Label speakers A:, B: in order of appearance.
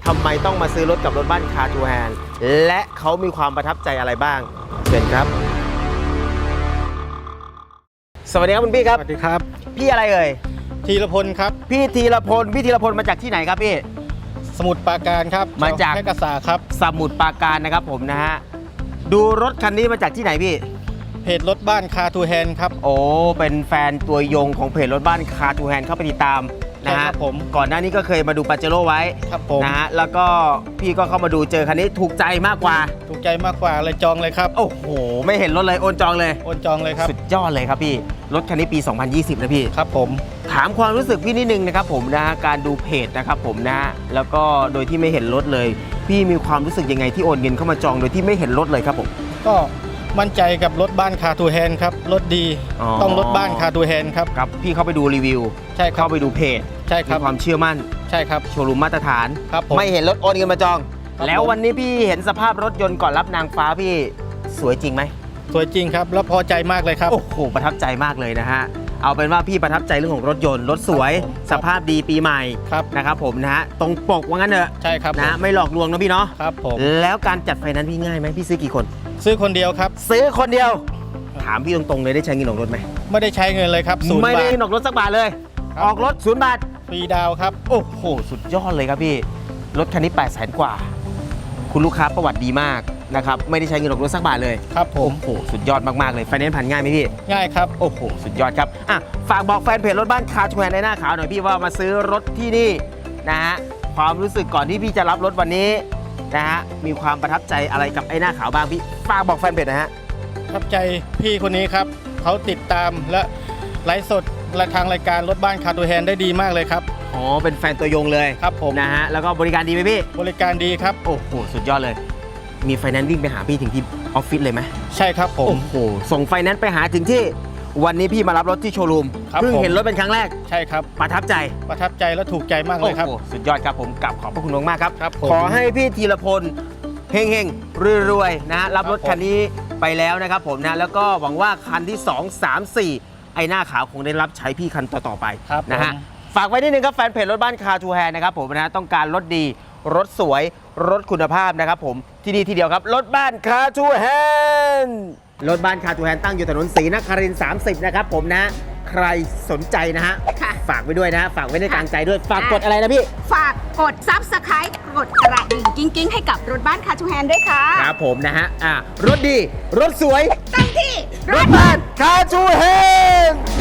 A: ทำไมต้องมาซื้อรถกับรถบ้านคาร์ทูแฮนด์และเขามีความประทับใจอะไรบ้างเชิญครับสวัสดีครับคุณพี่ครับ
B: สวัสดีครับ
A: พี่อะไรเอ่ย
B: ธีรพลครับ
A: พี่ธีรพลมาจากที่ไหนครับพี่
B: สมุทรปราการครับ
A: มาจาก
B: แพร่กษาครับ
A: สมุทรปราการนะครับผมนะฮะดูรถคันนี้มาจากที่ไหนพี่
B: เพจรถบ้านคาทูแฮนครับ
A: โอ้เป็นแฟนตัวยงของเพจรถบ้านคาร์ทูแฮนด์เข้าไปติดตามนะ
B: ใช่
A: ฮะ
B: ครับผม
A: ก่อนหน้านี้ก็เคยมาดูปาเจโร่ไว้
B: ครับผม
A: นะฮะแล้วก็พี่ก็เข้ามาดูเจอคันนี้ถูกใจมากกว่า
B: ถูกใจมากกว่าเลยจองเลยครับ
A: โอ้โหไม่เห็นรถเลยโอนจองเลย
B: โอนจองเลยครับ
A: สุดยอดเลยครับพี่รถคันนี้ปี 2020 นะพี่
B: ครับผม
A: ถามความรู้สึกพี่นิดนึงนะครับผมนะฮะการดูเพจนะครับผมนะฮะแล้วก็โดยที่ไม่เห็นรถเลย พี่มีความรู้สึกยังไงที่โอนเงินเข้ามาจองโดยที่ไม่เห็นรถเลยครับผม
B: ก็มั่นใจกับรถบ้านคาทูแฮนครับรถดี
A: อ๋อ
B: ต้องรถบ้านคาทูแฮนครับ
A: ครับพี่เข้าไปดูรีวิว
B: ใช่ครั
A: เข้า
B: บ
A: ไปดูเพจ
B: ใช่ค
A: มี
B: รับ
A: ความเชื่อมั่น
B: ใช่ครับ
A: โชว์รูมมาตรฐาน
B: ครับผม
A: ไม่เห็นรถโอนเงินมาจอง
B: ครับ
A: แล้ววันนี้พี่เห็นสภาพรถยนต์ก่อนรับนางฟ้าพี่สวยจริงไหม
B: สวยจริงครับแล้วพอใจมากเลยครับ
A: โอ้โหประทับใจมากเลยนะฮะเอาเป็นว่าพี่ประทับใจเรื่องของรถยนต์รถสวย
B: ครับผม
A: สภาพดีปีใหม่
B: ครับ
A: นะครับผมนะฮะตรงปกว่างั้นเถอะ
B: ใช่ครับ
A: นะไม่หลอกลวงนะพี่เนาะ
B: ครับผม
A: แล้วการจัดไฟแนนซ์พี่ง่ายไหมพี่ซื้อกี่คน
B: ซื้อคนเดียวครับ
A: ซื้อคนเดียว ถามพี่ตรงๆเลยได้ใช้เงินออกรถไหม
B: ไม่ได้ใช้เงินเลยครับศูนย์
A: ไม่
B: บา
A: ได้
B: ท
A: เงินออกรถสักบาทเลย
B: ครับ
A: ออกรถ0 บาท
B: ฟรีดาวน์ครับ
A: โอ้โหสุดยอดเลยครับพี่รถคันนี้ 800,000 กว่า คุณลูกค้าประวัติดีมากนะครับไม่ได้ใช้เงินออกรถสักบาทเลย
B: ครับผม
A: โอ้โหสุดยอดมากๆเลยไฟแนนซ์ผ่านง่ายไหมพี่
B: ง่ายครับ
A: โอ้โห สุดยอดครับอ่ะฝากบอกแฟนเพจรถบ้านคาร์ทูแฮนด์ในหน้าขาวหน่อยพี่ว่ามาซื้อรถที่นี่นะฮะความรู้สึกก่อนที่พี่จะรับรถวันนี้นะฮะมีความประทับใจอะไรกับไอ้หน้าขาวบ้างพี่ฝากบอกแฟนเพจนะฮะ
B: ประทับใจพี่คนนี้ครับเขาติดตามและไลฟ์สดและทางรายการรถบ้านคาทูแฮนได้ดีมากเลยครับ
A: อ๋อเป็นแฟนตัวยงเลย
B: ครับผม
A: นะฮะแล้วก็บริการดีไหมพี่
B: บริการดีครับ
A: โอ้โหสุดยอดเลย มีไฟแนนซ์วิ่งไปหาพี่ถึงที่ออฟฟิศเลยไหม
B: ใช่ครับผม
A: โอ้โหส่งไฟแนนซ์ไปหาถึงที่วันนี้พี่มารับรถที่โชว์รูม
B: ครับ
A: เพิ่ง
B: ผม
A: เห็นรถเป็นครั้งแรก
B: ใช่ครับ
A: ประทับใจ
B: ประทับใจและถูกใจมากเลยครับ
A: โอ้โหสุดยอดครับผมกลับขอบพระคุณมากๆครับ
B: ครับผม
A: ขอให้พี่ธีรพลเฮงๆรวยๆนะรับรถ
B: ครับผม
A: คันนี้ไปแล้วนะครับผมนะแล้วก็หวังว่าคันที่ 2 3 4 ไอ้หน้าขาวคงได้รับใช้พี่คันต่อๆไป
B: ครับ
A: นะฮะ
B: ผม
A: ฝากไว้นิดนึงครับแฟนเพจรถบ้านคาร์ทูแฮนนะครับผมนะต้องการรถดีรถสวยรถคุณภาพนะครับผมที่นี่ทีเดียวครับรถบ้านคาร์ทูแฮนรถบ้านคาร์ทูแฮนตั้งอยู่ถนนศรีนครินทร์30นะครับผมนะใครสนใจนะฮะ
C: ค่ะ
A: ฝากไว้ด้วยนะฝากไว้ในกลางใจด้วยฝากกดอะไรนะพี่
C: ฝากกด Subscribe กดกระดิ่งกิ้งๆ ให้กับรถบ้านคาทูแฮนด้วยค่ะ
A: ครับผมนะฮะรถดี รถสวย
C: ตั้งที่
A: รถบ้านคาร์ทูแฮน